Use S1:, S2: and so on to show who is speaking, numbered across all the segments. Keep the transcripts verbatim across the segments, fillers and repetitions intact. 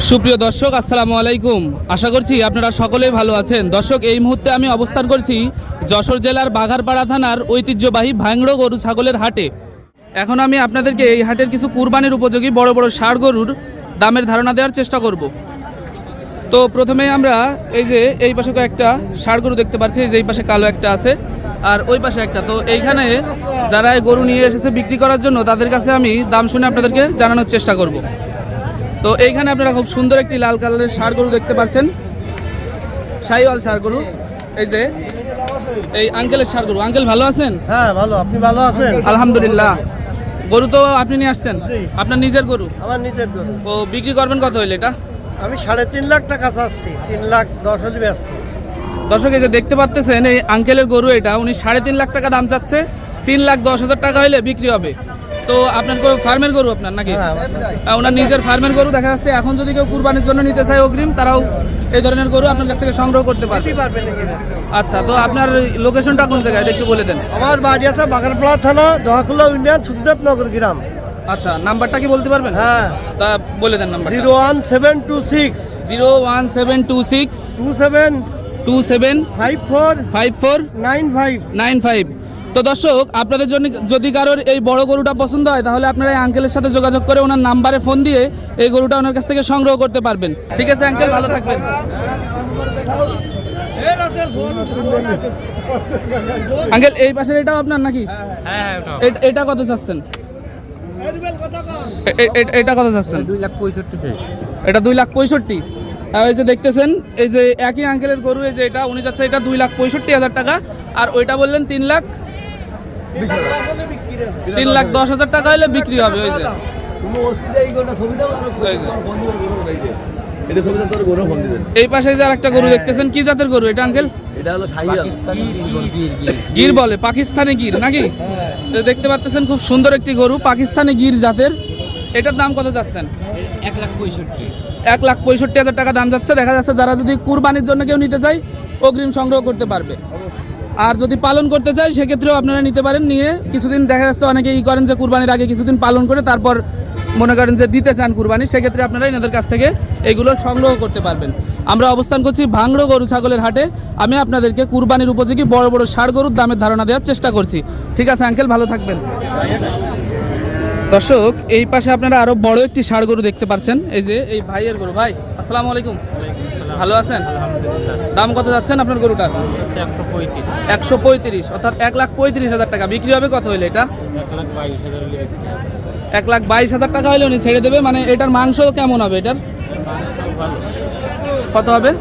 S1: সুপ্রিয় দর্শক, আসসালামু আলাইকুম। আশা করছি আপনারা সকলেই ভালো আছেন। দর্শক, এই মুহূর্তে আমি অবস্থান করছি যশোর জেলার বাঘারপাড়া থানার ঐতিহ্যবাহী ভাঙড়ো গরু ছাগলের হাটে। এখন আমি আপনাদেরকে এই হাটের কিছু কুরবানির উপযোগী বড় বড় ষাঁড় গরুর দামের ধারণা দেওয়ার চেষ্টা করব। তো প্রথমে আমরা এই যে এই পাশে একটা ষাঁড় গরু দেখতে পাচ্ছি, এই যে এই পাশে কালো একটা আছে আর ওই পাশে একটা। তো এইখানে যারা এই গরু নিয়ে এসেছে বিক্রি করার জন্য তাদের কাছে আমি দাম শুনে আপনাদেরকে জানানোর চেষ্টা করব। তো এইখানে আপনারা খুব সুন্দর একটি লাল কালারের ষাঁড় গরু দেখতে পাচ্ছেন, শাহিওয়াল ষাঁড় গরু। এই যে এই আঙ্কেলের ষাঁড় গরু। আঙ্কেল ভালো আছেন?
S2: হ্যাঁ ভালো, আপনি ভালো আছেন?
S1: আলহামদুলিল্লাহ। গরু তো আপনি নিয়ে আসছেন, আপনার নিজের গরু?
S2: আমার নিজের গরু।
S1: ও বিক্রি করবেন কত হইলে এটা?
S2: আমি সাড়ে তিন লাখ টাকা চাচ্ছি, তিন লাখ দশ হলে ব্যস্ত।
S1: দর্শক, এই যে দেখতে পাচ্ছেন এই আঙ্কেলের গরু, এটা উনি সাড়ে তিন লাখ টাকা দাম চাচ্ছে, তিন লাখ দশ হাজার টাকা হইলে বিক্রি হবে। তো আপনার ফার্মের গরু আপনার নাকি? হ্যাঁ, ওনার নিজের ফার্মের গরু দেখা যাচ্ছে। এখন যদি কেউ কুরবানির জন্য নিতে চায় অগ্রিম, তারাও এই ধরনের গরু আপনার কাছ থেকে সংগ্রহ করতে পারবে। আচ্ছা, তো আপনার লোকেশনটা কোন জায়গায় একটু বলে দেন।
S2: আমার বাড়ি আছে বাগারপাড়া থানা, দহাকুল্লা ইউনিয়ন, সুখদেবনগর গ্রাম।
S1: আচ্ছা, নাম্বারটা কি বলতে পারবেন?
S2: হ্যাঁ,
S1: তা বলে দেন number.
S2: Zero one seven two six
S1: zero one seven two six
S2: two seven
S1: two seven
S2: five four
S1: five four
S2: nine five
S1: nine five. তো দর্শক, আপনাদের জন্য যদি কারোর এই বড় গরুটা পছন্দ হয় তাহলে আপনারা এই আঙ্কেলের সাথে যোগাযোগ করে ওনার নাম্বারে ফোন দিয়ে এই গরুটা ওনার কাছ থেকে সংগ্রহ করতে পারবেন। ঠিক আছে আঙ্কেল, ভালো থাকবেন। আঙ্কেল, এই পাশের এটাও আপনার নাকি? এটা কত চাচ্ছেন? এটা কত চাচ্ছেন?
S3: দুই লাখ পঁয়ষট্টি।
S1: এটা দুই লাখ পঁয়ষট্টি। এই যে দেখতেছেন, এই যে একই আঙ্কেলের গরু, এই যে এটা উনি যাচ্ছে এটা দুই লাখ পঁয়ষট্টি হাজার টাকা, আর ওইটা বললেন তিন লাখ তিন লাখ দশ হাজার টাকা হলে বিক্রি হবে। ওই যে এই পাশে যে আর একটা গরু দেখতেছেন, কি জাতের গরু এটা আঙ্কেল?
S2: এটা হলো
S1: গির বলে, পাকিস্তানি গির নাকি? দেখতে পাচ্ছেন খুব সুন্দর একটি গরু, পাকিস্তানি গির জাতের। এটার দাম কত যাচ্ছেন?
S3: এক লাখ পঁয়ষট্টি
S1: এক লাখ পঁয়ষট্টি হাজার টাকা দাম যাচ্ছে। দেখা যাচ্ছে যারা যদি কুরবানির জন্য কেউ নিতে চায় অগ্রিম সংগ্রহ করতে পারবে, আর যদি পালন করতে চায় সেক্ষেত্রেও আপনারা নিতে পারেন। নিয়ে কিছুদিন দেখা যাচ্ছে অনেকে ই করেন যে কুরবানির আগে কিছুদিন পালন করে তারপর মনে করেন যে দিতে চান কুরবানি, সেক্ষেত্রে আপনারা এনাদের কাছ থেকে এগুলো সংগ্রহ করতে পারবেন। আমরা অবস্থান করছি ভাঙড়ো গরু ছাগলের হাটে। আমি আপনাদেরকে কুরবানির উপযোগী বড় বড় ষাঁড় গরুর দামের ধারণা দেওয়ার চেষ্টা করছি। ঠিক আছে আঙ্কেল, ভালো থাকবেন। দর্শক, এই পাশে আপনারা আরো বড় একটি ষাঁড় গরু দেখতে পাচ্ছেন, এই যে এই ভাইয়ের গরু। ভাই আসসালামু আলাইকুম, ভালো আছেন? দাম কত যাচ্ছেন আপনার গরুটার? একশো পঁয়ত্রিশ, অর্থাৎ এক লাখ পঁয়ত্রিশ হাজার টাকা। বিক্রি হবে কত হইলে এটা? এক লাখ বাইশ হাজার টাকা হইলে উনি ছেড়ে দেবে। মানে এটার মাংস কেমন হবে? এটার কত হবে,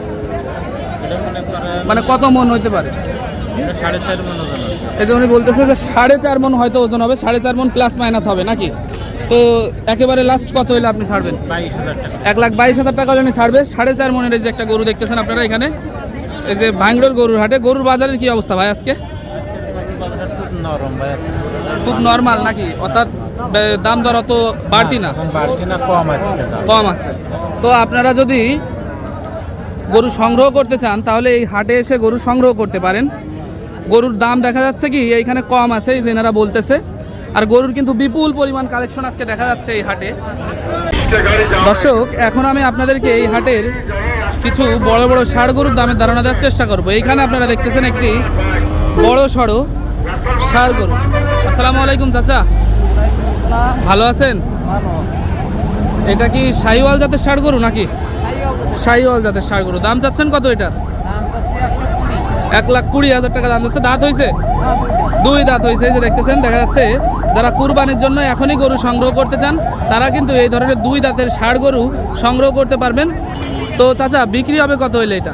S1: মানে কত মন হইতে পারে? এই যে উনি বলতেছে যে সাড়ে চার মন হয়তো ওজন হবে, সাড়ে চার মন প্লাস মাইনাস হবে নাকি? তো একেবারে লাস্ট কত হইলে আপনি ছাড়বেন? এক লাখ বাইশ হাজার টাকা হলে উনি ছাড়বে। সাড়ে চার মনের এই যে একটা গরু দেখতেছেন আপনারা এখানে, এই যে ভাঙড়োর গরুর হাটে। গরুর বাজারের কি অবস্থা ভাই আজকে? খুব নরমাল নাকি? অর্থাৎ দাম দর অত বাড়তি না, কম আছে। তো আপনারা যদি গরু সংগ্রহ করতে চান তাহলে এই হাটে এসে গরু সংগ্রহ করতে পারেন। গরুর দাম দেখা যাচ্ছে কি এইখানে কম আছে, এই যে এনারা বলতেছে। আর গরুর কিন্তু বিপুল পরিমাণ কালেকশন আজকে দেখা যাচ্ছে এই হাটে। দর্শক, এখন আমি আপনাদেরকে এই হাটের কিছু বড় বড় ষাঁড় গরুর দামের ধারণা দেওয়ার চেষ্টা করব। এইখানে আপনারা দেখতেছেন একটি বড় সড়ো ষাঁড় গরু। আসসালামু আলাইকুম চাচা, ভালো আছেন? এটা কি শাহিওয়াল জাতের ষাঁড় গরু নাকি? শাহিওয়াল জাতের ষাঁড় গরু। দাম চাচ্ছেন কত এটার? এক লাখ কুড়ি হাজার টাকা দাম যাচ্ছে। দাঁত হয়েছে? দুই দাঁত হয়েছে। যে দেখতেছেন, দেখা যাচ্ছে যারা কুরবানির জন্য এখনই গরু সংগ্রহ করতে চান তারা কিন্তু এই ধরনের দুই দাঁতের ষাঁড় গরু সংগ্রহ করতে পারবেন। তো চাচা, বিক্রি হবে কত হইলে এটা?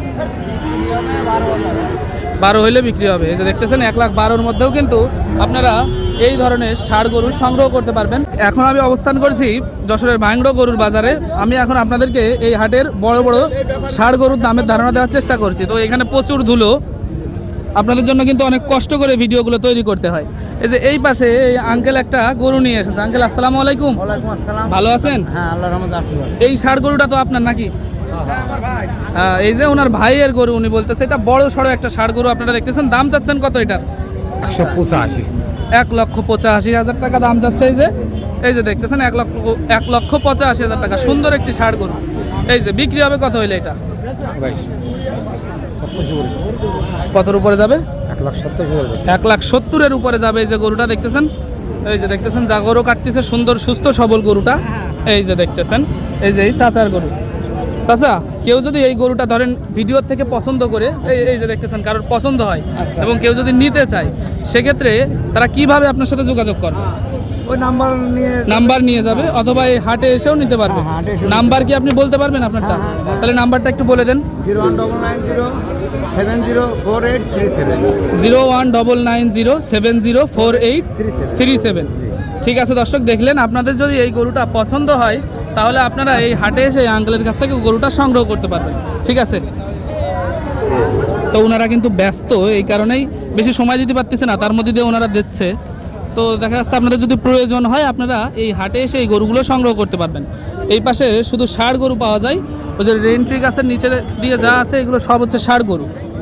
S1: বারো হইলে বিক্রি হবে। এই যে দেখতেছেন এক লাখ বারোর মধ্যেও কিন্তু আপনারা এই ধরনের ষাঁড় গরু সংগ্রহ করতে পারবেন। এখন আমি অবস্থান করছি যশোরের ভাঙড়ো গরুর বাজারে। আমি এখন আপনাদেরকে এই হাটের বড় বড় ষাঁড় গরুর দামের ধারণা দেওয়ার চেষ্টা করছি। তো এখানে প্রচুর ধুলো, আপনাদের জন্য কিন্তু অনেক কষ্ট করে ভিডিওগুলো তৈরি করতে হয়। এই যে এই পাশে এই আঙ্কেল একটা গরু নিয়ে এসেছে। আঙ্কেল আসসালামু আলাইকুম। ভালো আছেন?
S2: হ্যাঁ, আল্লাহর রহমতে আছি।
S1: এই ষাঁড় গরুটা তো আপনার নাকি? হ্যাঁ, এই যে ওনার ভাইয়ের গরু, উনি বলতেছে এটা বড় সড়ো একটা ষাঁড় গরু আপনারা দেখতেছেন। দাম চাচ্ছেন কত এটার?
S3: একশো পঁচাশি।
S1: এক লক্ষ পঁচাশি হাজার টাকা দাম যাচ্ছে। এই যে এই যে দেখতেছেন এক লক্ষ এক লক্ষ পঁচাশি হাজার টাকা সুন্দর একটি ষাঁড় গরু। এই যে বিক্রি হবে কত হইলে এটা? কতর উপরে যাবে?
S3: এক লাখ সত্তর
S1: এক লাখ সত্তরের উপরে যাবে। এই যে গরুটা দেখতেছেন, এই যে দেখতেছেন যা গরু কাটতেছে সুন্দর সুস্থ সবল গরুটা। এই যে দেখতেছেন এই যে এই চাচার গরু। চাচা, কেউ যদি এই গরুটা ধরেন ভিডিওর থেকে পছন্দ করে, এই এই যে দেখতেছেন কারোর পছন্দ হয় এবং কেউ যদি নিতে চায়, সেক্ষেত্রে তারা কিভাবে আপনার সাথে যোগাযোগ করবে?
S2: ওই নাম্বার নিয়ে
S1: নাম্বার নিয়ে যাবে অথবা এই হাটে এসেও নিতে পারবে।
S2: হ্যাঁ, হাটে এসেও
S1: নাম্বার কি আপনি বলতে পারবেন আপনারটা? তাহলে নাম্বারটা একটু বলে দেন।
S2: Zero one double nine zero seven zero four eight three seven
S1: zero one double nine zero seven zero four eight
S2: three seven
S1: three seven. ঠিক আছে দর্শক, দেখলেন আপনাদের যদি এই গরুটা পছন্দ হয় তাহলে আপনারা এই হাটে এসে এই আঙ্কেলের কাছ থেকে গরুটা সংগ্রহ করতে পারবেন। ঠিক আছে, তো ওনারা কিন্তু ব্যস্ত, এই কারণেই বেশি সময় দিতে পারতেছে না, তার মধ্যে দিয়ে ওনারা দিচ্ছে। তো দেখা যাচ্ছে আপনাদের যদি প্রয়োজন হয় আপনারা এই হাটে এসে এই গরুগুলো সংগ্রহ করতে পারবেন। এই পাশে শুধু ষাঁড় গরু পাওয়া যায়, ওই যে রেন্ট্রি গাছের নিচে দিয়ে যা আছে এগুলো সব হচ্ছে ষাঁড় গরু।